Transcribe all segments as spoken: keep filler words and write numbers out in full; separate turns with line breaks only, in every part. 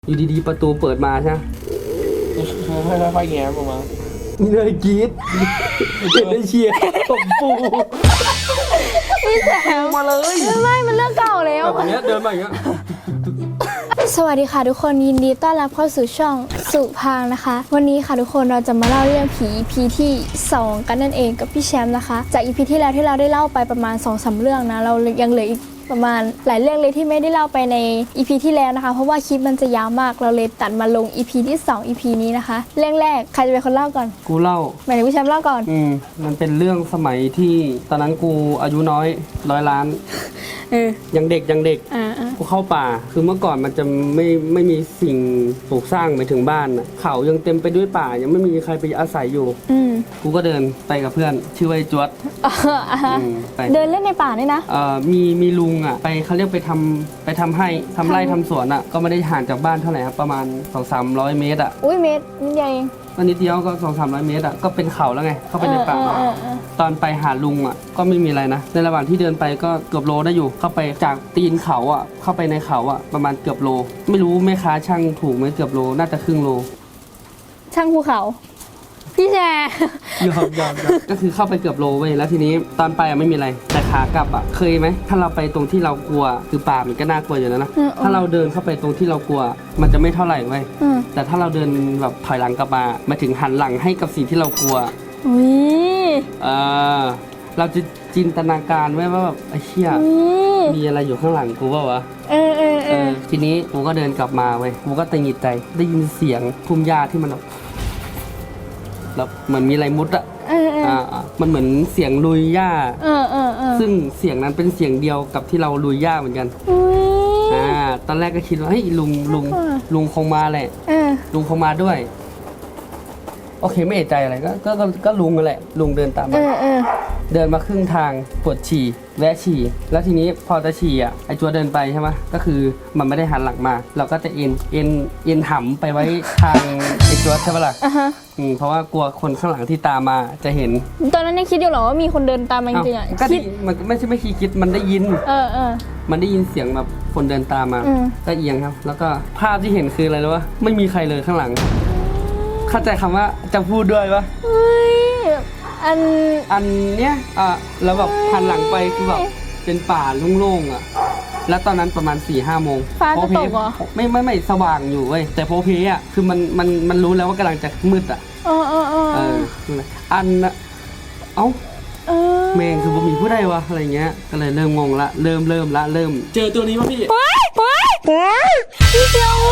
อยู่ดีๆประตูเปิดมาใช่ไหม
ค่อยๆแง้มออกมา
มีเลยกรี๊ดเห็นได้เชียร์ตบปู
พี่แซม
มาเลย
ไม่มันเรื่องเก่าแล้ว
แบบนี้เดินมาอย่างเงี้ย
สวัสดีค่ะทุกคนยินดีต้อนรับเข้าสู่ช่องสุพางนะคะ วันนี้ค่ะทุกคนเราจะมาเล่าเรื่องผี อี พี ที่สองกันนั่นเองกับพี่แชมป์นะคะจาก อี พี ที่แล้วที่เราได้เล่าไปประมาณ สองสาม เรื่องนะเรายังเหลืออีกประมาณหลายเรื่องเลยที่ไม่ได้เล่าไปใน อี พี ที่แล้วนะคะเพราะว่าคลิปมันจะยาวมากเราเลยตัดมาลง อี พี ที่สอง อี พี นี้นะคะเรื่องแรกใครจะเป็นคนเล่าก่อน
กูเล่า
หมายถึงพี่แชมป์เล่าก่อน
อืมมันเป็นเรื่องสมัยที่ตอนนั้นกูอายุน้อยร้อยล้าน
เออ
ยังเด็กยังเด็ก
อ่า
กูเข้าป่าคือเมื่อก่อนมันจะไม่ไม่มีสิ่งปลูกสร้างไปถึงบ้านอ่ะเขายังเต็มไปด้วยป่ายังไม่มีใครไปอาศัยอยู่
อืม
กูก็เดินไปกับเพื่อนชื่อว่าจวด
เดินเล่นในป่านี่นะ
เอ่อมีมีลุงอ่ะไปเขาเรียกไปทำไปทำให้ทำไร่ทำสวนอ่ะก็ไม่ได้ห่างจากบ้านเท่าไหร่ครับประมาณ สองถึงสามร้อย เมตรอ่ะ
อุ้ยเมตรนิดเดียวเอง
ก็นิดเดียวก็ สองถึงสามร้อย เมตรอ่ะก็เป็นเขาแล้วไงเข้าไปในป่าตอนไปหาลุงอ่ะก็ไม่มีอะไรนะในระหว่างที่เดินไปก็เกือบโลได้อยู่เข้าไปจากตีนเขาอ่ะเข้าไปในเขาอ่ะประมาณเกือบโลไม่รู้แม่ค้าช่างถูกไหมเกือบโลน่าจะครึ่งโล
ช่างภูเขาพี่แชร์
ยอมยอมก็คือเข้าไปเกือบโลเว้ยแล้วทีนี้ตอนไปอ่ะไม่มีอะไรแต่ขากลับอ่ะเคยไหมถ้าเราไปตรงที่เรากลัวคือป่ามันก็น่ากลัวอยู่แล้วนะถ้าเราเดินเข้าไปตรงที่เรากลัวมันจะไม่เท่าไหร่เว้ยแต่ถ้าเราเดินแบบถอยหลังกลับมามาถึงหันหลังให้กับสิ่งที่เรากลัว
อุ้ย
เออเราจะจินตนาการไว้ว่าแบบไอ้เชี่ยมีอะไรอยู่ข้างหลังกูเปล่าวะ
เออเออเออ
ทีนี้กูก็เดินกลับมาเว้ยกูก็ตังหิดใจได้ยินเสียงพุ่มหญ้าที่มันแบบแล้วเหมือนมีอะไรมุดอะอ่ามันเหมือนเสียงลุยหญ้า
เออเออเออ
ซึ่งเสียงนั้นเป็นเสียงเดียวกับที่เราลุยหญ้าเหมือนกันอ่าตอนแรกก็คิดว่าเฮ้ยลุงลุงลุงคงมาแหละลุงคงมาด้วยโอเคไม่เอะใจอะไรก็ก็ก็ลุงนั่นแหละลุงเดินตามมาเดินมาครึ่งทางปวดฉี่แวะฉี่แล้วทีนี้พอจะฉี่อ่ะไอ้จัวเดินไปใช่ไหมก็คือมันไม่ได้หันหลังมาเราก็จะเอ็นเอ็นเอ็นหำไปไว้ทางไอ้จัวใช่ปะล่ะอืมเพราะว่ากลัวคนข้างหลังที่ตามมาจะเห็น
ตอนนั้นยังคิดอยู่หรอว่ามีคนเดินตามมาจริงๆอ่ะ
ก็มันไม่ใช่ไม่คิดคิดมันได้ยิน
เออเออ
มันได้ยินเสียงแบบคนเดินตามมาก็เอียงครับแล้วก็ภาพที่เห็นคืออะไรรู้ปะไม่มีใครเลยข้างหลังเข้าใจคำว่าจะพูดด้วยปะ
อัน
อันเนี้ยอ่ะแล้วแบบหันหลังไปคือแบบเป็นป่าโล่งๆอ่ะแล้วตอนนั้นประมาณ สี่ห้า โมง
ฟ้าจะตกเหรอ
ไม่ไม่ไม่สว่างอยู่เว้ยแต่โพเพอ่ะคือมันมันมันรู้แล้วว่ากำลังจะมืดอ่ะ
เออเออเออ
อันน่ะเอ้าแม่งคือบ่มีผู้ใดวะอะไรเงี้ยก็เลยเริ่มงงละเริ่มเริ่มละเริ่ม
เจอตัวนี้ป่ะพี่
ไปไปไปพี่เจ้า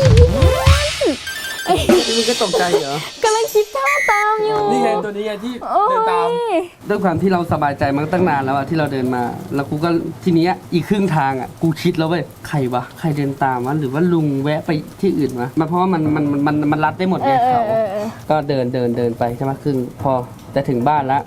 มึงก็ตกใจเหรอก
ำลังคิดท่าตามอยู่
นี่ไงตัวนี้ไงที่เดินตาม
ด้วยความที่เราสบายใจมาตั้งนานแล้วอะที่เราเดินมาแล้วกูก็ทีนี้อีกครึ่งทางอะกูคิดแล้วเว้ยใครวะใครเดินตามวะหรือว่าลุงแวะไปที่อื่นวะมันเพราะว่ามันมันมันมันรัดได้หมดไงเขาก็เดินเดินเดินไปใช่ไหมครึ่งพอจะถึงบ้านแล้ว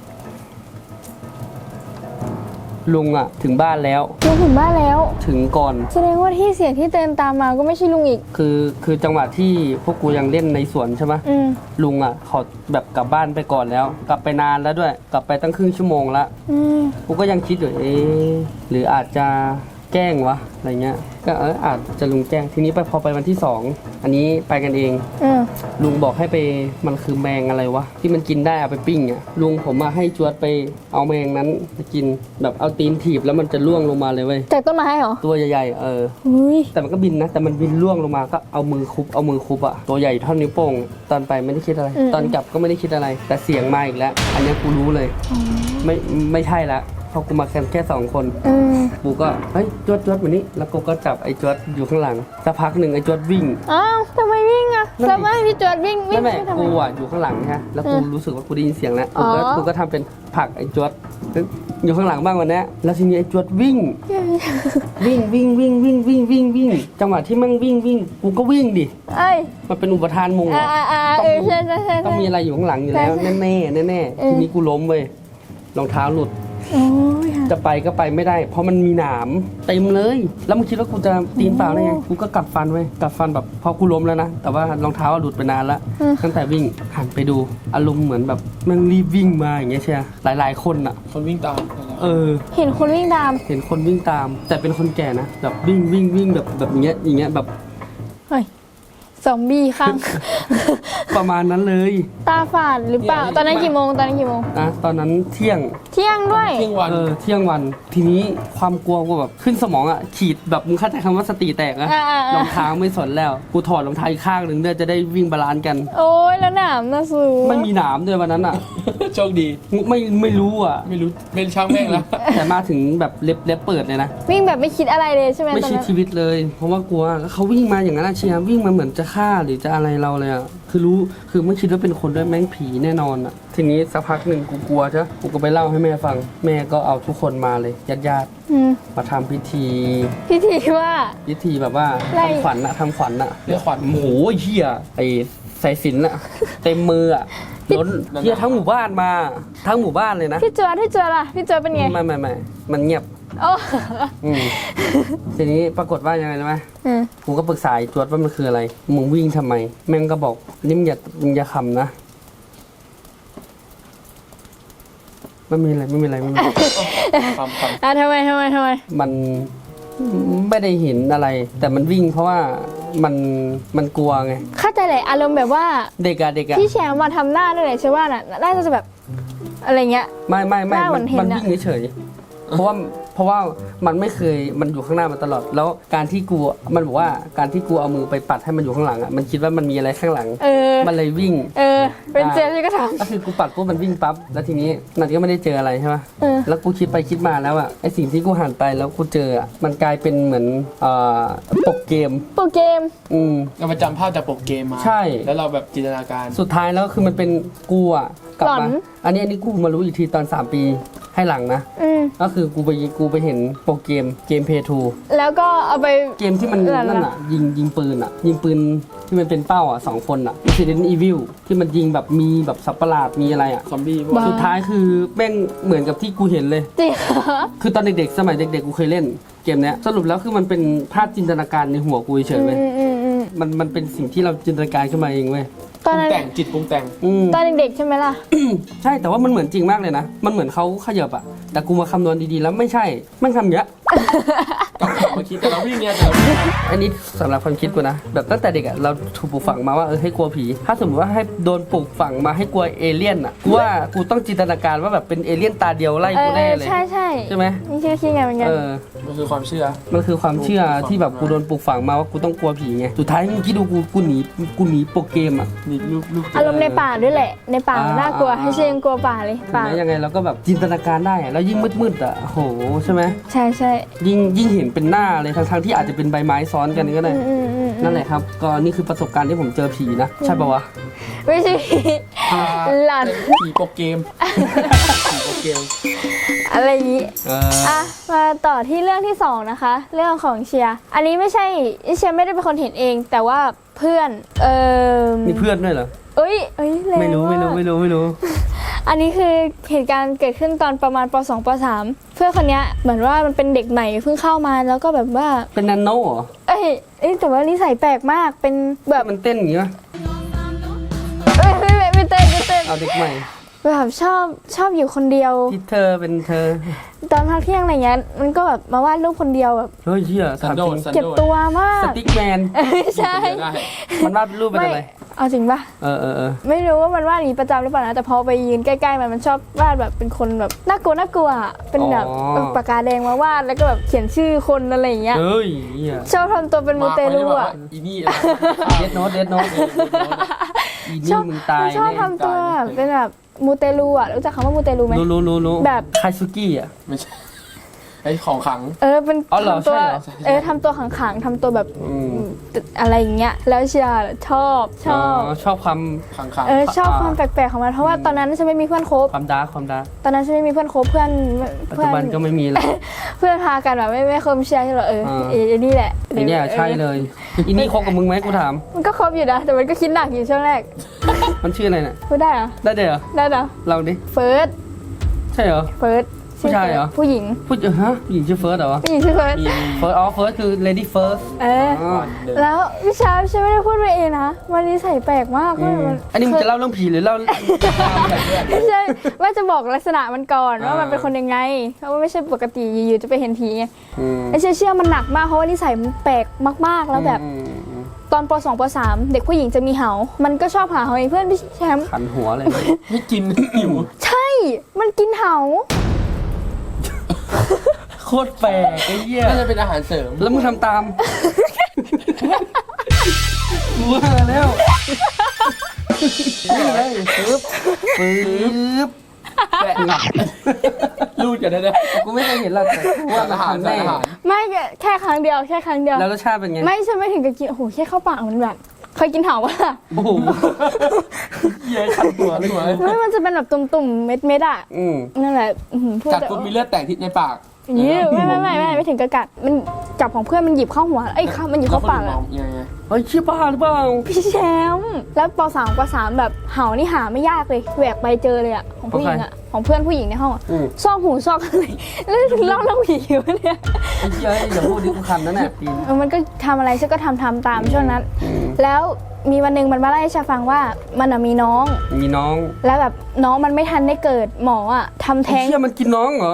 ลุงอะถึงบ้านแล้ว
ลุงถึงบ้านแล้ว
ถึงก่อน
แสดงว่าที่เสียงที่เดินตามมาก็ไม่ใช่ลุงอีก
คือคือจังหวะที่พวกกูยังเล่นในสวนใช่ไหมลุงอะเขาแบบกลับบ้านไปก่อนแล้วกลับไปนานแล้วด้วยกลับไปตั้งครึ่งชั่วโมงละกูก็ยังคิดอยู่เอ๊ะหรืออาจจะแกล้งวะอะไรเงี้ยก็เอออาจจะลุงแกล้งทีนี้ไปพอไปวันที่สองอันนี้ไปกันเองลุงบอกให้ไปมันคือแมงอะไรวะที่มันกินได้เอาไปปิ้งอ่ะลุงผมมาให้จวดไปเอาแมงนั้นไปกินแบบเอาตีนถีบแล้วมันจะล่วงลงมาเลยเว้ย
จากต้นไม้เหรอ
ตัวใหญ่ๆเออแต่มันก็บินนะแต่มันบินล่วงลงมาก็เอามือคุบเอามือคุบอ่ะตัวใหญ่เท่านิ้วโป้งตอนไปไม่ได้คิดอะไรตอนกลับก็ไม่ได้คิดอะไรแต่เสียงมาอีกแล้วอันนี้กูรู้เลยไม่ไม่ใช่ละพอกูมาแค่แค่สองคนกูก็เฮ้ยจวดจวดแบบนี้แล้วกูก็จับไอ้จวดอยู่ข้างหลังสักพักหนึ่งไอ้จวดวิ่ง
อ้าวทำไมวิ่งอ่ะแล้วไม่พี่จวดวิ่งวิ่ง
ไม่ไม่กูอ่ะอยู่ข้างหลังฮะแล้วกูรู้สึกว่ากูได้ยินเสียงแล้วกูก็กูก็ทำเป็นผลักไอ้จวดอยู่ข้างหลังบ้างวันนี้แล้วทีนี้ไอ้จวดวิ่งวิ่งวิ่งวิ่งวิ่งวิ่งวิ่งวิ่งจังหวะที่มันวิ่งวิ่งกูก็วิ่งดิมันเป็นอุปทานมุงต้องมีอะไรอยู่ข้างหลังอยู่แล้วแน่แน่แน่แน่ทีนี้กูล้มเว้ยรองเท้าหลุดจะไปก็ไปไม่ได้เพราะมันมีหนามเต็มเลยแล้วมึงคิดว่ากูจะตีนเปล่าได้ไงกูก็กัดฟันไว้กัดฟันแบบพอกูล้มแล้วนะแต่ว่ารองเท้าหลุดไปนานแล้วตั้งแต่วิ่งหันไปดูอารมณ์เหมือนแบบมันรีบวิ่งมาอย่างเงี้ยใช่ไหมหลายๆคนอ่ะ
คนวิ่งตาม
เออ
เห็นคนวิ่งตาม
เห็นคนวิ่งตามแต่เป็นคนแก่นะแบบวิ่งวิ่งวิ่งแบบแบบอย่างเงี้ยอย่างเงี้ยแบบ
เฮ้ยซอมบี้ข้าง
ประมาณนั้นเลย
ตาฝาดหรือเปล่า ตอนนั้นกี่โมงตอนนั้นกี่โมง
นะตอนนั้นเที่ยง
เที่ยงด้วย
เที่ยงวัน
เออเที่ยงวันทีนี้ความกลัวกูแบบขึ้นสมองอ่ะขีดแบบมึงเข้าใจคำว่าสติแตกนะ
อ่าๆๆ
รองเท้าไม่สนแล้วกูถอดรองเท้าอีกข้างหนึ่งเพื่อจะได้วิ่งบาลานซ์กัน
โอ้ยแล้วหนามนะสู
ไม่มีหนามด้วยวันนั้นอ่ะ
โชคดี
ไม่ไม่รู้อ่ะ
ไม่รู้เป็นช่างแม่งแล้ว
แต่มาถึงแบบเล็บเล็บเปิดเลยนะ
วิ่งแบบไม่คิดอะไรเลยใช่ไหม
ไม่
ตอน
คิด
นั้น
ชีวิตเลย เพราะว่ากลัวแล้วเขาวิ่งมาอย่างนั้นอะเชียร์วิ่งมาเหมือนจะฆ่าหรือจะอะไรเราเลยอ่ะคือรู้คือไม่คิดว่าเป็นคนด้วยแม่งผีแน่นอนอ่ะทีนี้สักพักหนึ่งกูกลัวใช่กูก็ไปเล่าให้แม่ฟังแม่ก็เอาทุกคนมาเลยญาติญาติ
อืม
ๆมาทำพิธี
พิธีว่า
พิธีแบบว่า
ไล่
ทำขวัญอะทำขวัญอะ
เรียกขวัญ
โอ้โหเฮียไอสายสิญจนอะเต็มมืออะล้นเฮียทั้งหมู่บ้านมาทั้งหมู่บ้านเลยนะ
พี่จวดพี่จวดล่ะพี่จวดเป็นไง
ไม่ไม่ไม่มันเงียบ
โอ้
อืมทีนี้ปรากฏว่ายังไงรู้ไหม
อืม
กูก็ปรึกษาไอ้จวดว่ามันคืออะไรมึงวิ่งทำไม แม่งก็บอกนี่มึงอย่ามึงอย่าขำนะไม่มีอะไรไม่มีอะไรไม่มีอะไร
คำคำ
อ่ะทำไมทำไมทำไม
มันไม่ได้เห็นอะไร แต่มันวิ่งเพราะว่ามันมันกลัวไง
เข้าใจเลยอารมณ์แบบว่า
เด็กอะเด็กอะ
พี่แชมป์มาทำหน้าด้วยเลยใช่ว่าน่ะน่าจะแบบอะไรเงี้ย
ไม่ไม่ไม่
หน้าเหมื
มั
อน นเห็น
มัน
อะ
วิ่งเฉยๆเพราะว่าเพราะว่ามันไม่เคยมันอยู่ข้างหน้ามาตลอด แล้วการที่กูมันบอกว่าการที่กูเอามือไปปัดให้มันอยู่ข้างหลังอะมันคิดว่ามันมีอะไรข้างหลัง
เออ
มันเลยวิ่ง
เออ เป็นเจมส์ก็ท
ก็คือกูปัดปุ๊บมันวิ่งปั๊บแล้วทีนี้นันก็ไม่ได้เจออะไรใช่ปะ
ำเออ
แล้วกูคิดไปคิดมาแล้วอะไอสิ่งที่กูหันไปแล้วกูเจออะมันกลายเป็นเหมือนเอ่อปกเกม
โปรเกม
อืม
เราไปจำภาพจากปกเกมมา
ใช่
แล้วเราแบบจินตนาการ
สุดท้ายแล้วคือมันเป็นกูอะกลับ
หลอ
มาน อันนี้อันนี้กูมารู้อีกทีตอนสามปีให้หลังนะ
อืม
ก็คือกูไปกูไปเห็นโปรเกมเกมเพย์ทู
แล้วก็เอาไป
เกมที่มัน
เหรอ
นั่นอ่ะยิงยิงปืนอ่ะ ยิงปืนที่มันเป็นเป้าอ่ะสองคนอ่ะ Resident Evil ที่มันยิงแบบมีแบบสัตว์ประหลาดมีอะไรอ่ะ
ซอมบี้พวก
บ้า
สุดท้ายคือแม่งเหมือนกับที่กูเห็นเลย
จริงเหรอ
คือตอนเด็กๆ สมัยเด็กๆ กูเคยเล่นเกมเนี้ยสรุปแล้วคือมันเป็นภาพจินตนาการในหัวกูเฉยๆเว้ย
อืมอืมอืม
มันมันเป็นสิ่งที่เราจินตนาการขึ้นมาเองเว้ย
ต
ป
อน
รุง
นั้น
แต่งจิตปรุงแต่ง
อืม
ตอนเด็กๆใช่ไหมล่ะ
ใช่แต่ว่ามันเหมือนจริงมากเลยนะ มันเหมือนเขาขยับอะแต่กูมาคำนวณดีๆแล้วไม่ใช่แม่งทำอย่างเงี้ย
กลับมาคิดแต่เราวิ่งเนี่ยแต่เราวิ่ง
อันนี้สำหรับความคิดกูนะ แบบตั้งแต่เด็กอะเราถูกปลูกฝังมาว่าเออให้กลัวผี ถ้าสมมติว่าให้โดนปลูกฝังมาให้กลัวเอเลี่ยนอะกูว่ากูต้องจินตนาการว่าแบบเป็นเอเลี่ยนตาเดียวไล่
เอ
กู
อ
แน่เลย
ใช่ใช่
ใช่ไหม
นี่ชื่อคิดไงเหมือนกัน
เออ
มันคือความเชื่อ
มันคือความเชื่อที่แบบกูโดนปลูกฝังมาว่ากูต้องกลัวผีไงสุดท้ายมึงคิดดูกูกูหนีกูหนีโปรเกมอะ
นี่รูปรูป
อารมณ์ในป่าด้วยแหละ ในป่า
อ่า
น่ากลัว ให้เชยงกลัวป่าเลย
ถึง
ป่า
แม้ยังไงเราก็แบบจินตนาการได้อะแล้วยิ่งมืดๆอะโหใช่ไหม
ใช่ใช่
ยิ่งยิ่งเห็นเป็นหน้าเลยทั้งๆที่อาจจะเป็นใบไม้ซ้อนกันก็ได้
อืมอืมอืม
นั่นแหละครับก็นี่คือประสบการณ์ที่ผมเจอผีนะใช่ปะวะ
ไม่ใช่หลอน
ผีปกเกมผีปกเกม
อะไรอย่างนี้
เออ
อ่ะมาต่อที่เรื่องที่สองนะคะ เรื่องของเชียร์อันนี้ไม่ใช่เชียร์ไม่ได้เป็นคนเห็นเอง แต่ว่าเพื่อนเออ
มีเพื่อนด้วยเหรอ
เอ้ยเอ้ยแง
ไม่รู้ไม่รู้
าก
ไม่รู้ไม่รู้
อันนี้คือเหตุการณ์เกิดขึ้นตอนประมาณป สอง ป สาม เพื่อนคนเนี้ยเหมือนว่ามันเป็นเด็กใหม่เพิ่งเข้ามาแล้วก็แบบว่า
เป็นนันโน่เหรอ
เอ้ยเอ้ยแต่ว่านิสัยแปลกมากเป็นแบบ
มันเต้นอย่างงี้ปะ
เอ้ยไม่ไม่ไม่เต้นไม่เต้น
เอาเด็กใหม่
แบบชอบชอบอยู่คนเดียว
ที่เธอเป็นเธอ
ตอนพักเที่ยงอะไรเงี้ยมันก็แบบมาวาดรูปคนเดียวแบบ
เฮ้ยเชี่ย
สัน
ถาม
โด
จ
ษ
ริง
สัน
เก็บ
โดษ
ตัวมาก
สติ๊กแมน
เอ้ยใช่
ได้
มันวาดรูปเป็น
ไม่
อะไร
เอาจริงปะ
เออเออเออ
ไม่รู้ว่ามันวาดอย่างนี้ประจำหรือเปล่านะแต่พอไปยืนใกล้ๆมันมันชอบวาดแบบเป็นคนแบบน่ากลัวน่ากลัวอะเป็นแบบเอาปากกาแดงมาวาดแล้วก็แบบเขียนชื่อคนอะไรอย่างเงี้ย
เฮ้ยเหี้ย
ชอบทำตัวเป็นมูเตลูอ่ะ
อีนี่
เดดโนตเดดโนตอี
ช
นี่
อบ
มึงตาย
ชอบ
แน่
ทำตัวแบบเป็นแบบมูเตลูอ่ะรู้จักคำว่ามูเตลูไหม
รู้รู้รู้รู้
แบบ
คาซุกิอ่ะ
ไม่ใช่ไอ้ของขัง
เออเป็น
อ๋อเหรอ
ทำตัว
ใช่เหรอ
เออทำตัวขังๆทำตัวแบบ
อืม
อะไรอย่างเงี้ยแล้วเชียร์ชอบชอบ
ชอบความ
ขังขัง
เออชอบความแปลกๆของมันเพราะว่าตอนนั้นฉันไม่มีเพื่อนคบ
ความดาร์กความดาร์ก
ตอนนั้นฉันไม่มีเพื่อนคบเพื่อน
ปัจ
เพื่
จุ
อน
บันก็ไม่มีแล้ว
เพื่อนพากันแบบไม่ไม่คบเชียร์ใช่เหรอเออ
อ่า
เออนี่แหละ
ไอเนี่ยใช่เลยอีนี่คบกับมึงไหมกูถาม
มันก็คบอยู่นะแต่มันก็คิดหนักอยู่ช่วงแรก
มันชื่ออะไรเนี่ย
พูดได้เหรอ
ได้เดี๋ยว
ได้เหรอ
เราดิ
เฟิร์ส
ใช่เหรอ
เฟิร์ส
ผู้ชายเหรอ
ผู้หญิง
พูดเออฮะผู้หญิงชื่อเฟิร์สเหรอวะ
ผู้หญิงชื่อเฟิร์ส
มี
เฟิร์สอ๋อเฟิร์สคือ lady first
เออ
อ๋อ
แล้วพี่ชาฉันไม่ได้พูดไปเองนะวันนี้ใส่แปลกมาก
อื
ว่าม มัน
อันนี้มึงจะเล่าเรื่องผีหรือเล่า
ไม่ใช่ว่าจะบอกลักษณะมันก่อน
อ่า
ว่ามันเป็นคนยังไงเพราะว่าไม่ใช่ปกติอยู่ๆจะไปเห็นผีไง
อืม
ไอ้เชื่อเชื่อมันหนักมากเพราะว่านิสัยมันแปลกมากๆแล้วแบบ
อืมอืม
ตอนป สอง ป สาม เด็กผู้หญิงจะมีเหา มันก็ชอบหาเหาไอ้เพื่อนพี่แชมป์
ขันหัวเลย
ไม่กิน หิว
ใช่ มันกินเหา
โคตรแปลกไอ้เหี้ยน่าจะเป็นอาหารเสริม
แล้วมึงทำตามกูว่าแล้วนี่ไงปึ๊บปึ๊บ
แปะหนักรูดกันได้เลย
กูไม่เคยเห็นหรอกแต่กูว่า
อาหาร
แน่
อาหาร
ไม่แค่ครั้งเดียวแค่ครั้งเดียว
แล้วรสชาติเป็นไง
ไม่ใช่ไม่ถึงกับกินโอ้โหแค่เข้าปากมันแบบเคยกินเหาปะล่ะ
โอ้โห
เหี้ยขันหัวเลยหัว
ไม่มันจะเป็นแบบตุ่มๆเม็ดๆอ่ะ
อืม
นั่นแหละอื้อหือพูด
กัด
แต่
ปุ๊บมีเลือดแตกที่ในปาก
ยี่ไม่ไม่ไม่ไม่ไม่ถึงกระกัดมันจับของเพื่อนมันหยิบเข้าหัวเอ้ยเข้ามันหยิบเข้าปาก
แล้ว
อะ
คนอื่นมองยังไง
เฮ้ยเชี่ยบ้าหรือเปล่า
พี่แชมป์แล้วปสามปสามแบบเห่านี่หาไม่ยากเลยแหวกไปเจอเลยอะของผู้หญิงอะของเพื่อนผู้หญิงในห้องอะ
อืม
ซอกหูซอกอะไรแล้วถึงเล่าเรื่องผีวะเนี่ย
ไอ้เชี่ยอย่าพูดดิกูคันนั่นแหละตีน
เออมันก็ทำอะไรฉันก็ทำทำตามช่วงนั้น
อืม
แล้วมีวันหนึ่งมันมาเล่าให้ฉันฟังว่ามันอะมีน้อง
มีน้อง
แล้วแบบน้องมันไม่ทันได้เกิดหมออะทำ
ไอ้
แท้ง
เชี่ยมันกินน้องเหรอ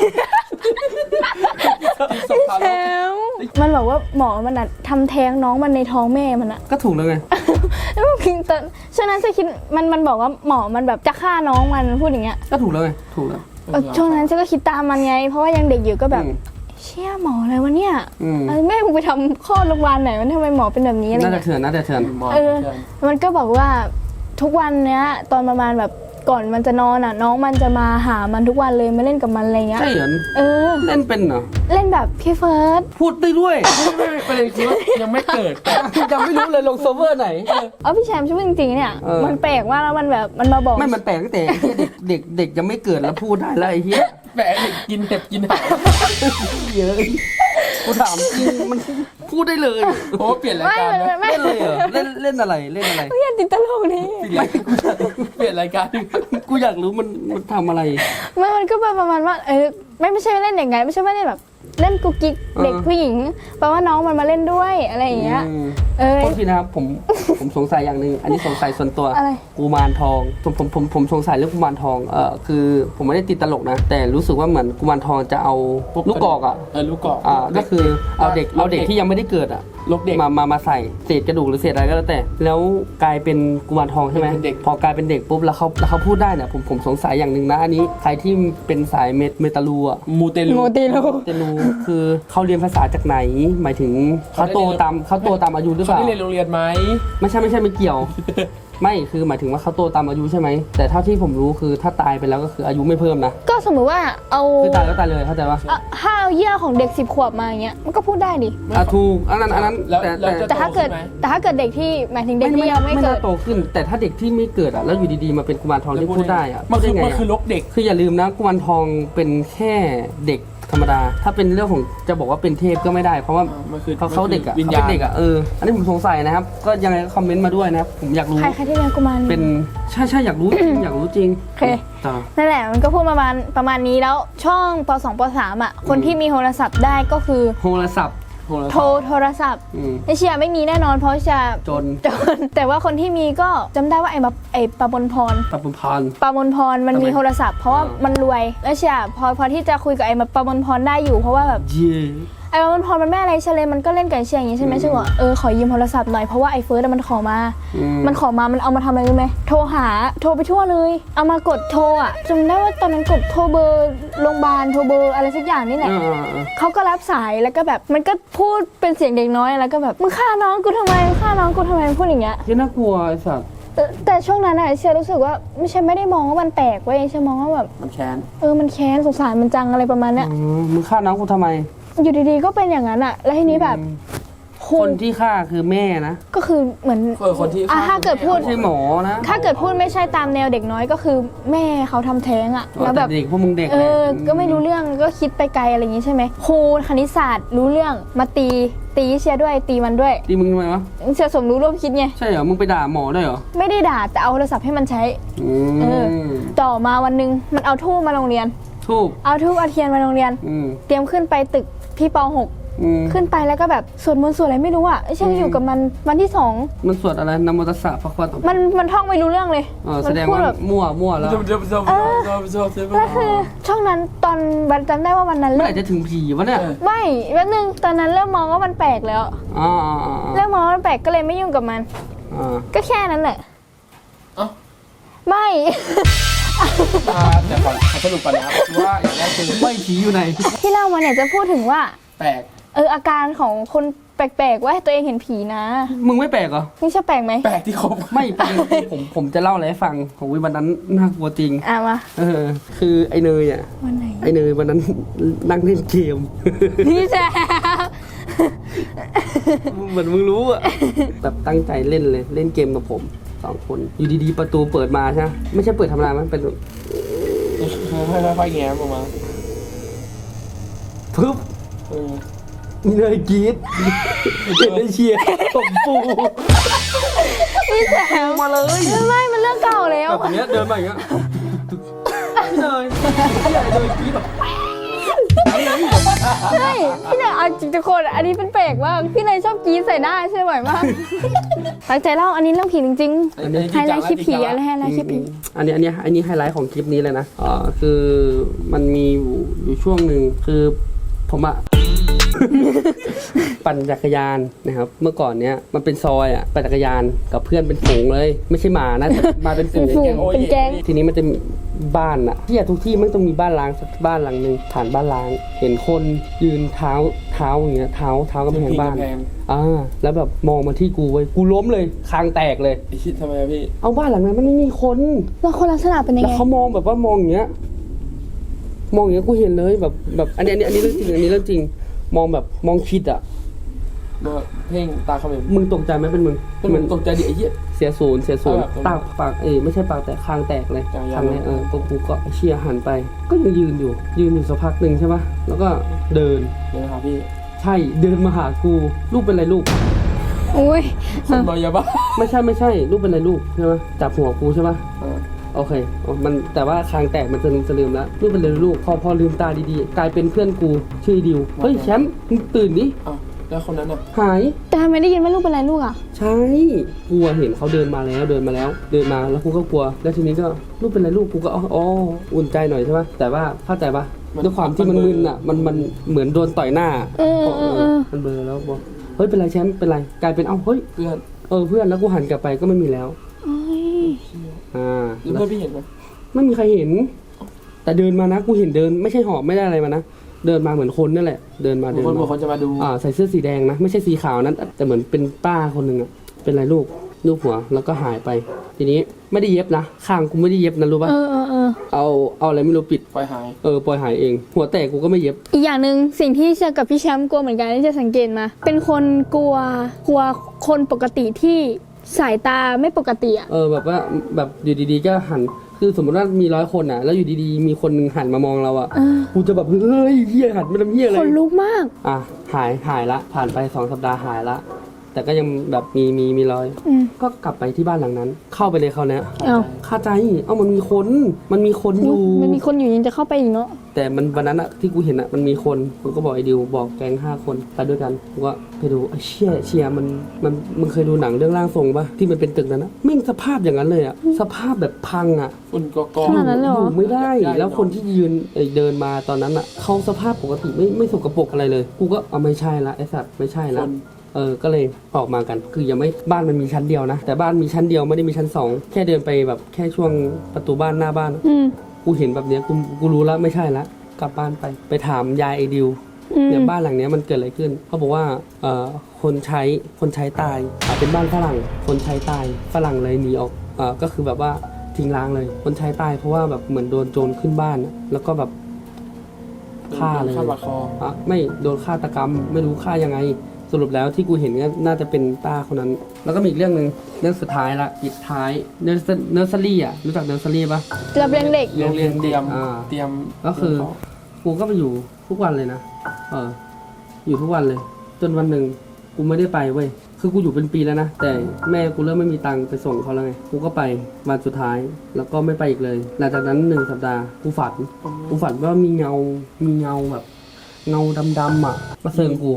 แชมป์มันบอกว่าหมอมันอะทำแท้งน้องมันในท้องแม่มันอะ
ก็ถูกแล้วไง
แล้วมันพิงตอนฉะนั้นฉันคิดมันมันบอกว่าหมอมันแบบจะฆ่าน้องมันพูดอย่างเงี้ย
ก็ถูกแล้วไง ถูกแล้ว
เออช่วงนั้นฉันก็คิดตามมันไง เพราะว่ายังเด็กอยู่ก็แบบ
อืม
เชี่ยหมออะไรวะเนี่ย
อืม
เออแม่มึงไปทำคลอดโรงพยาบาลไหนมันทำไมหมอเป็นแบบนี้อะไร
น่าจะ
เงี้ย
เถื่อนน่าจะเถื่อน
มอง
เออ
เพื่อน
มันก็บอกว่าทุกวันเนี้ยตอนประมาณแบบก่อนมันจะนอนอ่ะ น้องมันจะมาหามันทุกวันเลยมาเล่นกับมันอะไรเงี้ย
ใช่เหรอ
เออ
เล่นเป็นเหรอ
เล่นแบบพี่เฟิร์ส
พูดได้ด้วย
ไม่ไม่ประเด็นคือว่ายังไม่เกิดแต่
ยังไม่รู้เลยลงเซิร์ฟเวอร์ไหน
เออพี่แชมป์ช่วยจริงๆเนี่ย
เออ
มันแปลกมากแล้วมันแบบมันมาบอก
ไม่มันแปลกตั้งแต่ไอ้เหี้ยเด็กเด็กเด็กยังไม่เกิดแล้วพูดได้แล้วไอ้เหี้ย
แปะเด็กกินเห็บกินหาง
เยอะกูถามจริงมันพูดได้เลย
โอ้เปลี่ยนราย
ไม่
การ
ไม่
นะ
ไม่ไม่
เล่นเลยเหรอเล่นเล่นอะไรเล่นอะไร
เพื่อนติดตลกนี่
ไม่กูอยาก
เปลี่ยนรายการ
กูอยากรู้มันมันทำอะไร
ไม่มันก็เป็นประมาณว่าเออไม่ไม่ใช่เล่นอย่างไงไม่ใช่ว่าเล่นแบบเล่นกุ๊กกิ๊ก
เออ
เด็กผู้หญิงแปลว่าน้องมันมาเล่นด้วยอะไรอย่างเงี้ย
อืม
เออ
โทษทีนะครับผมผมสงสัยอย่างหนึ่งอันนี้สงสัยส่วนตัว
อะไร
กุมารทองผมผมผมผมสงสัยเรื่องกุมารทองเออคือผมไม่ได้ติดตลกนะ แต่รู้สึกว่าเหมือนกุมารทองจะเอาลูกกอกอ่ะ
เออลูกกอก
อ่าก็คือเอาเด็กเอาเด็กที่ยังไม่ได้เกิดอ่ะ
ลูกเด็ก
มามามาใส่เศษกระดูกหรือเศษอะไรก็แล้วแต่ แล้วกลายเป็นกุมารทองใช่ไหม
เป็นเด็ก
พอกลายเป็นเด็กปุ๊บแล้วเขาแล้วเขาพูดได้เนี่ยผมผมสงสัยอย่างหนึ่งนะอันนี้ใครที่เป็นสายเมตเมตาลูอ่ะ
มูเตลู
โมติลู
เตลูคือเขาเรียนภาษาจากไหน หมายถึงเขาโตตามเขาโตตามอายุหรือเป
เขา
ล่า
ได้เรียนโรงเรียนไหม
ไม่ใช่ไม่ใช่ไม่เกี่ยว ไม่คือหมายถึงว่าเขาโตตามอายุใช่ไหมแต่เท่าที่ผมรู้คือถ้าตายไปแล้วก็คืออายุไม่เพิ่มนะ
ก็สมมติว่าเอา
คือตายก็ตายเลยเข้าใจปะ
เอาห้าวเยี่ยของเด็กสิบขวบมาอย่างเงี้ยมันก็พูดได้ดิ
อ่ะถูกอันนั้นอันนั้น
แล้ว
แต่
แล้ว
แต่
จะ
แต่ถ้าเกิด
โตขึ้นไหม
แต่ถ้าเกิดเด็กที่หมายถึงเด็กที่ยังไม่
ไม่
เกิ
น่า
ด
โตขึ้น แต่ถ้าเด็กที่ไม่เกิดอ่ะแล้วอยู่ดีๆมาเป็นกุมารทองที่พูดได้อ่ะ
มัน
พูด
คือ
ได้ไง
มันคือ
อะ
ลกเด็ก
คืออย่าลืมนะกุมารทองเป็นแค่เด็กธรรมดา ถ้าเป็นเรื่องของจะบอกว่าเป็นเทพก็ไม่ได้ เพราะว่า
มันคือ
เขาเขาเด็กอ่ะ
วิญ
เขา
ญา
เป็น
ณ
เด็กอ่ะเอออันนี้ผมสงสัยนะครับ ก็ยังไงก็คอมเมนต์มาด้วยนะครับผมอยากรู้
ใครใครที่เลี้ยงกุมาร
เป็นใช่ใช่อยากรู้จริงอยากรู้จริง
โอเค
ต่อ
นั่นแหละมันก็พูดประมาณประมาณนี้แล้วช่องปสองปสามอ่ะคนที่มีโทรศัพท์ได้ก็คือ
โทรศัพท์
โหรา
โทรโทรศัพท์
อืม
ไอเชียไม่มีแน่นอนเพราะเชีย
จน
จนแต่ว่าคนที่มีก็จำได้ว่าไอ้มาไอ้ปะบนพร
ปรับพันธ์
ปามนพรมัน
ทำไม
มีโทรศัพท์เพราะว่า
อ่ามั
มันรวยแล้วเชียพอพอที่จะคุยกับไอ้มาปามนพรได้อยู่เพราะว่าแบบ
เย่
ไอ้ปามนพรมันแม่อะไรเชเลยมันก็เล่นกับไอ้เชียอย่างงี้ใช่ไหม
อืม
เชียบอกเออขอยืมโทรศัพท์หน่อยเพราะว่าไอ้เฟิร์สอะมันขอมา
อืม
มันขอมามันเอามาทำอะไรรู้ไหมโทรหาโทรไปทั่วเลยเอามากดโทรอ่ะจำได้ว่าตอนนั้นกดโทรเบอร์โรงพยาบาลโทรเบอร์อะไรสักอย่างนี่แหละ
อ่าอ่าอ่า
เขาก็รับสายแล้วก็แบบมันก็พูดเป็นเสียงเด็กน้อยแล้วก็แบบมึงฆ่าน้องกูทำไมมึงฆ่าน้องกูทำไมพูดอย่างเงี้ย
ที่น่ากลัวไอ้สัตว์
แต่แต่ช่วงนั้นอะเชียรู้สึกว่าไม่ใช่ไม่ได้มองว่ามันแปลกเว้ยเชียมองว่าแบบ
มันแค้น
เออมันแค้นสงสารมันจังอะไรประมาณเนี้ย
อืมมึงฆ่าน้องกูทำไม
อยู่ดีๆก็เป็นอย่างนั้นอะแล้วทีนี้แบบโห
คนที่ฆ่าคือแม่นะ
ก็คือเหมือน
เออคนที่
อ่ะถ้าเกิดพูด
ไม่ใช่หมอนะ
ถ้าเกิดพูดไม่ใช่ตามแนวเด็กน้อยก็คือแม่เขาทำแท้งอะแล้วแบบ
ต่เด็กพวกมึงเด็ก
เออ
แหละ
ก็ไม่รู้เรื่องก็คิดไปไกลอะไรอย่างงี้ใช่ไหมครูคณิตศาสตร์รู้เรื่องมาตีตีเชียร์ด้วยตีมันด้วย
ตีมึงทำไมวะ
เชียร์สมรู้ร่วมคิดไง
ใช่เหรอ มึงไปด่าหมอด้วยเหรอ
ไม่ได้ด่าแต่เอาโทรศัพท์ให้มันใช้
อืม
เออ ต่อมาวันหนึงมันเอาทูบมาโรงเรียน
ทูบ
เอาทูบเอาเทียนมาโรงเรียน
อืม
เตรียมขึ้นไปตึกพี่ป .หก
อืม
ขึ้นไปแล้วก็แบบสวดมนต์สวดอะไรไม่รู้อ่ะไอ้เช่งอยู่กับมันวันที่สอง
มันสวดอะไรนะโมตัสสะพระควาต
มันมันท่องไม่รู้เรื่องเลย
อ๋อแส
มั
ดง
พูด
ว่า
แบบ
มั่วมั่วแล้ว
จบจบจบจบจบจบจบ
แล้วคือช่วงนั้นตอนวันจำได้ว่าวันนั้น
เมื่อ
เริ่
ไห
ม
ร่จะถึงผีวะเนี่ย
ไม่แป๊บนึงตอนนั้นเริ่มมองว่ามันแปลกแล้ว
อ๋ออ๋ออ๋อ
เริ่มมองว่ามันแปลกก็เลยไม่ยุ่งกับมัน
อ๋อ
ก็แค่นั้นแหละ
เอ้า
ไม่
แต่ก่อนขอสรุปก่อนนะครับว่าอย่างแรกคือ
ไม่ผีอยู่ไหน
ที่เล่ามาเนี่ยจะพูดถึงว่า
แปลก
เอออาการของคนแปลกๆว่าตัวเองเห็นผีนะ
มึงไม่แปลกเหรอ
นี่ใช่แปลกไหม
แปลกที่ครบ
ไม่ประเด็นคือผมผมจะเล่าอะไรให้ฟังของวันนั้นน่ากลัวจริง
อ่ะมา
เออ คือไอ้เนยอ่ะ
วันไหน
ไอ้เนยวันนั้นนั่งเล่นเกม
พี่แจ๊
เหมือนมึงรู้อ่ะ แบบตั้งใจเล่นเลย เล่นเกมกับผมสองคน อยู่ดีๆประตูเปิดมาใช่ไหมไม่ใช่เปิดธรรมดามันเป็น
ค่อยๆแง้มออกมา
ปึ๊บ
เออ
มีเนยกรีดเห็นได้เชียร์ตบปู
พี่แจ๊
มาเลย
ไม่มันเรื่องเก่าแล้ว
แบบอย่างเงี้ยเดินมาอย่างเงี้ยพี่เนยพี่ใหญ่เนยกรีดแบบ
ใช่พี่เนยเอาจริงทุกคนอันนี้เป็นแปลกมากพี่เนยชอบกรีดใส่หน้าใช่ไหมมากตั้งใจเล่าอันนี้เรื่องผีจริงๆไฮไลท์คลิปผีอะไรไฮไลท์คลิปผี
อันนี้อันนี้อันนี้ไฮไลท์ของคลิปนี้เลยนะอ่าคือมันมีอยู่อยู่ช่วงหนึ่งคือผมอะ ปั่นจักรยานนะครับเมื่อก่อนเนี้ยมันเป็นซอยอะปั่นจักรยานกับเพื่อนเป็นฝูงเลย ไม่ใช่หมานะแต่มาเป็นฝูง
เป็นฝูง เป็นแก๊ง
ทีนี้มันจะมีบ้านอะที่ทุกที่มันต้องมีบ้านล้างสักบ้านหลังหนึ่งผ่านบ้านล้าง เห็นคนยืนเท้าเท้าอย่างเงี้ยเท้าเท้ากำแพงบ้านอ่าแล้วแบบมองมาที่กูเว้ยกูล้มเลยคางแตกเลย
ไอ้ชิดทำไมอะพี่
เอาบ้านหลังนั้นมันไม่มีคน
แล้วคนลักษณะเป็นยัง
แล้ว
ไง
เขามองแบบว่ามองอย่างเงี้ย มองอย่างเงี้ยกูเห็นเลยแบบแบบอันนี้อันนี้อันนี้เรื่องจริงอันนี้เรื่องจริง มองแบบมองคิดอ่ะ
มาเพ่งตาเขมิบ
มึงตกใจไหมเป็นมึง
เป็นเหมือนตกใจดิไอ้เหี้ย
เสียศูนย์เสียศูนย์
เออแบบ
ตาปากเอ้ยไม่ใช่ปากแต่คางแตกเลย
จ่ายยา
คางเนี้ยเออกูกูก็เชียร์หันไป ก็ยังยืนอยู่ ยืนอยู่สักพักหนึ่งใช่ปะแล้วก็เดิน
เดี๋ยวนะครับพี่
ใช่เดินมาหากูลูกเป็นไรลูก
อุ้ย
คนเมายาบ้า
ไม่ใช่ไม่ใช่ลูกเป็นไรลูกใช่ไหมจับหัวกูใช่ปะ
เออ
โอเคอ๋อมันแต่ว่าคางแตกมันจะลืมจะลืมแล้วลูกเป็นไรลูกพอพอลืมตาดีๆ กลายเป็นเพื่อนกูชื่อดิวเฮ้ยแชมป์มึงตื่นดิ
อ้าวแล้วคนนั้นอ่ะ
หาย
แต่ทำไมได้ยินว่าลูกเป็นไรลูกอ่ะ
ใช่กลัวเห็นเขาเดินมาแล้วเดินมาแล้ว เดินมาแล้วกูก็กลัว แล้วทีนี้ก็ลูกเป็นไรลูกกูก็อ๋ออ๋ออุ่นใจหน่อยใช่ปะแต่ว่าเข้าใจปะด้วยความที่มันมึนอ่ะมันมันเหมือนโดนต่อยหน้า
เออเออเออ
มันเบลอแล้วบอกเฮ้ยเป็นไรแชมป์เป็นไรกลายเป็นเอ้าเฮ้ย
เพื่อน
เออเพื่อนแล้วกูหันกลับไปก็ไม่มีแล้ว
โอ้ย
อ่า
แล้วเพื่อนพี่เห็นไหม
ไม่มีใครเห็น แต่เดินมานะกูเห็นเดินไม่ใช่หอบไม่ได้อะไรมานะเดินมาเหมือนคนนั่นแหละ เดินมา
บาง
เดิน
คนบางค
มาน
จะมาดู
อ่าใส่เสื้อสีแดงนะไม่ใช่สีขาวนั้นแต่เหมือนเป็นป้าคนหนึ่งอะเป็นไรลูกลูกหัวแล้วก็หายไป ทีนี้ไม่ได้เย็บนะข้างกูไม่ได้เย็บนะรู้ป่ะ
เออเออเออ
เอาเอาอะไรไม่รู้ปิด
ปล่อยหาย
เออปล่อยหายเอง หัวแตกกูก็ไม่เย็บ
อีกอย่างหนึ่งสิ่งที่เชื่อกับพี่แชมป์กลัวเหมือนกันที่จะสังเกตมา เป็นคนกลัวกลัวคนปกติที่สายตาไม่ปกติอ่ะ
เออแบบว่าแบบอยู่ดีๆก็หันคือสมมติว่ามีร้อยคนอ่ะ แล้วอยู่ดีๆมีคนหนึงหันมามองเราอ่ะ
เออ
กูจะแบบเฮ้ยเฮียหันมาทำเฮียอะไร
คนลุกมาก
อ่ะหายหายละ ผ่านไปสองสัปดาห์หายละ แต่ก็ยังแบบมีมีมีรอย
อืม
ก็กลับไปที่บ้านหลังนั้น เข้าไปเลยเขาวเนี้ย
เอ้า
คาใจเอ้ามันมีคนมันมีคนอยู่
มันมีคนอยู่ยังจะเข้าไปอีกเนาะ
แต่มันวันนั้นอะที่กูเห็นอะมันมีคนกูก็บอกไอ้ดิวบอกแก๊งห้าคนไปด้วยกันกูก็ไปดูไอ้เชี่ยเชียมันมันมึงเคยดูหนังเรื่องร่างทรงปะที่มันเป็นตึกนั้นนะแม่งสภาพอย่างนั้นเลยอะสภาพแบบพังอะ
ฝุ่นกอก
ขนาดนั้นเลยเหรอ
อยู่ไม่ได้ แล้วคนที่ยืนเอ่ยเดินมาตอนนั้นอะเขาสภาพปกติไม่ไม่สกปรกอะไรเลย กูก็เอาไม่ใช่ละไอ้สัตว์ไม่ใช่
ค
ละ
น
เออ ก็เลยออกมากัน คือยังไม่บ้านมันมีชั้นเดียวนะ แต่บ้านมีชั้นเดียวไม่ได้มีชั้นสองแค่เดินไปแบบแค่ช่วงประตูบ้านหน้าบ้าน
อืม
กูเห็นแบบเนี้ยกูกูรู้แล้วไม่ใช่ละกลับบ้านไป ไปถามยายไอดิว
อืม
เนี่ยบ้านหลังเนี้ยมันเกิดอะไรขึ้นเขาบอกว่าเอ่อคนใช้คนใช้ตายอ่าเป็นบ้านฝรั่ง คนใช้ตายฝรั่งเลยหนีออกเอ่อก็คือแบบว่าทิ้งร้างเลย คนใช้ตายเพราะว่าแบบเหมือนโดนโจรขึ้นบ้านอะแล้วก็แบบฆ่าเลย
ฆ่าบาดคอ
อ่ะไม่โดนฆาตกรรมไม่รู้ฆ่ายังไง สรุปแล้วที่กูเห็นก็น่าจะเป็นป้าคนนั้น แล้วก็มีอีกเรื่องหนึ่งเรื่องสุดท้ายละปิดท้ายเนอร์เนอร์เซอรี่อ่ะรู้จักเนอร์เซอรี่ปะ
เรับเลี้ยงเด็ก
โรงเรียน
เต
เด็
รี
ก
ยม
อ่า
เตรียม
ก็คือ กูก็ไปอยู่ทุกวันเลยนะเอออยู่ทุกวันเลย จนวันหนึ่งกูไม่ได้ไปเว้ยคือกูอยู่เป็นปีแล้วนะแต่แม่กูเริ่มไม่มีตังค์ไปส่งเขาแล้วไงกูก็ไปวันสุดท้ายแล้วก็ไม่ไปอีกเลยหลังจากนั้นหนึ่งสัปดาห์กูฝันกูฝันว่ามีเงา มีเงาแบบ เงาดำๆอ่ะมาเซิงกู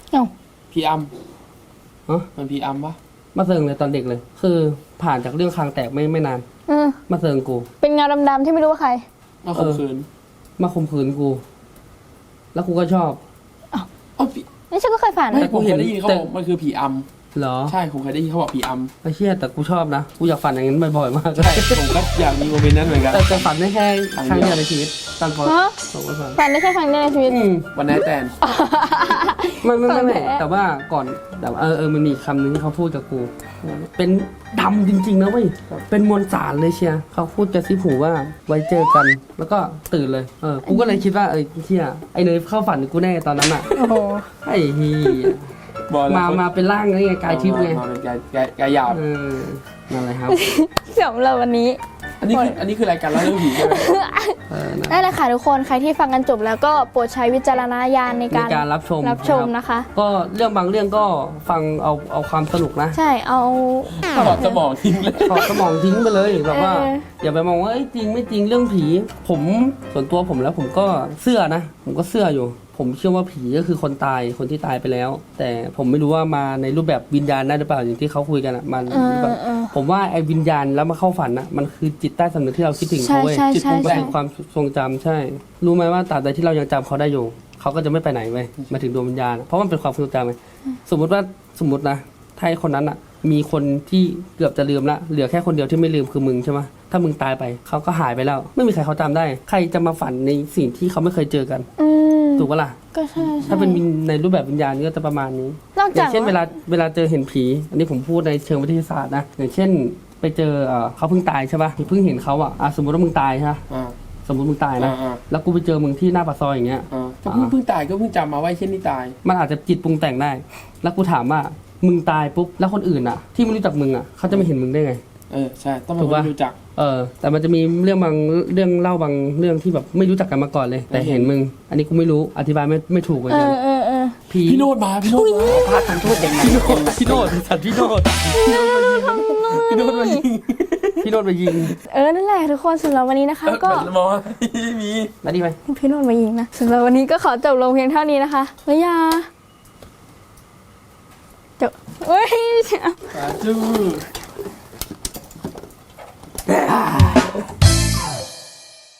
เอ้า
พีอัม
ฮะ
มันพีอัมปะ
มาเซิงเลยตอนเด็กเลย คือผ่านจากเรื่องคางแตกไม่ไม่นาน
เออ
มาเซิงกู
เป็นเงาดำๆที่ไม่รู้ว่าใคร
มาข่มขืน
มาข่มขืนกู แล้วกูก็ชอบ
อ๋อพี่
นี่ฉันก็เคยฝัน
แต่
นะ
ผมเคยได้ยินเขา
แต่
บอกมันคือผีอัม
เหรอ
ใช่ผมเคยได้ยินเขาบอกผีอัม
ไอ้เชี่ยแต่กูชอบนะ กูอยากฝันอย่างนั้นบ่อยๆมาก
ใช่ผมก็อยากมีโมเมนต์นั้นเหมือนกัน
แต่แต่ฝันได้แค่ครั้งเดียวในชีวิตตอนพอ
ฮะ
ผมก็ฝัน
ฝันได้แค่ครั้งเดียวในชีวิต
อืม
วันไหนแตน
ไม่ไม่ไม่ไม่
ฝันแท้
แต่ว่าก่อนแต่ว่าเออเออมันมีคำหนึงที่เขาพูดกับกู เป็นดำจริงๆนะเว้ยเป็นมวลสารเลยเชียร์เขาพูดจะซิผูว่าไว้เจอกัน แล้วก็ตื่นเลยเออกูก็เลยคิดว่าเออเชี่ยไอ้เนยเข้าฝันกูแน่ตอนนั้นอ่ะ
โอ้โห
ไอ้เฮีย
บอกเลย
มา
คน
มาเป็นร่างนี่ไงกายทิพย์ไง
มาเป็นกายกายกายหยาบ
เออนั่นแหละครับ
สำหรับวันนี้
อันนี้คืออันนี้คือรายการเล่าเรื่องผีใช่ไหม
เออนะ
นั่นแหละค่ะทุกคนใครที่ฟังกันจบแล้วก็โปรดใช้วิจารณญาณใน
ใน
การ
การรับชม
รับชม
นะ
นะคะ
ก็เรื่องบางเรื่องก็ฟังเอาเอาความสนุกนะ
ใช่เอา
ถอดสมองทิ้งเลย
ถอดสมองทิ้งไปเลยแบบว่า
เออ
อย่าไปมองว่าเอ้ยจริงไม่จริงเรื่องผี ผมส่วนตัวผมแล้วผมก็เชื่อนะ ผมก็เชื่ออยู่ ผมเชื่อว่าผีก็คือคนตายคนที่ตายไปแล้ว แต่ผมไม่รู้ว่ามาในรูปแบบวิญญาณได้หรือเปล่าอย่างที่เขาคุยกันอ่ะมัน
เออ
แบบ
เออ
ผมว่าไอ้วิญญาณแล้วมาเข้าฝันอ่ะมันคือจิตใต้สำนึกที่เราคิดถึง
ใช่
เขาเว้ย
ใช่
จิต
ใช่
ปรุงแต่ง
ใช่
ความทรงจำใช่ รู้ไหมว่าตราบใดที่เรายังจำเขาได้อยู่ เขาก็จะไม่ไปไหนเว้ยหมายถึงดวงวิญญาณอะเพราะมันเป็นความทรงจำไงสมมติว่าสมมตินะถ้าไอ้คนนั้นอ่ะ มีคนที่เกือบจะลืมละเหลือแค่คนเดียวที่ไม่ลืมคือมึงใช่ไหมถ้ามึงตายไปเขาก็หายไปแล้ว ไม่มีใครเขาจำได้ ใครจะมาฝันในสิ่งที่เขาไม่เคยเจอกัน
อืม
ถูกปะล่ะ
ก็ใช่ใช่
ถ้าเป็นวิญในรูปแบบวิญญาณก็จะประมาณนี้
นอก
อ
จา
ย่าก งเช่นเวลาเวลาเจอเห็นผี อันนี้ผมพูดในเชิงวิทยาศาสตร์นะอย่างเช่น ไปเจอเอ่อเขาเพิ่งตายใช่ปะเพิ่งเห็นเขาอ่ะอ่ะสมมติว่ามึงตายใช่ปะ
อ่า
สมมติมึงตายนะ
อ่า
แล้วกูไปเจอมึงที่หน้าปากซอยอย่างเงี้ย
อ่าก็เพิ่งเพิ่งตายก็เพิ่งจำมาว่าไอ้เช่นนี่ตาย
มันอาจจะจิตปรุงแต่งได้ แล้วกูถามว่ามึงตายปุ๊บแล้วคนอื่นอ่ะ ที่ไม่รู้จักมึงอ่ะเขาจะไม่เห็นมึงได้ไง
เออใช่ต้องเป็น
ถูก
คน
ปะ
ที่รู้จัก
เออแต่มันจะมีเรื่องบางเรื่องเล่าบางเรื่องที่แบบไม่รู้จักกันมาก่อนเลย แต่เห็นมึง อันนี้กูไม่รู้อธิบายไม่ไม่ถูกเหมือน
เอ
กัน
อเออเออ
ผี
พี่โนดมาพี่โนดมา
พระทำโทษอย่างไรพี่โนดสัตว์พี่โนด
พี่โนดมายิง
พี่โนดไปยิง
เออนั่นแหละทุกคนสำหรับวันนี้นะคะ ก็
เหมือนมอไม่มี
แล้วดีไหม
พี่โนนมายิงนะสำหรับวันนี้ก็ขอจบลงเพียงเท่านี้นะคะแล้วยาจบเฮ้ย
สาธุ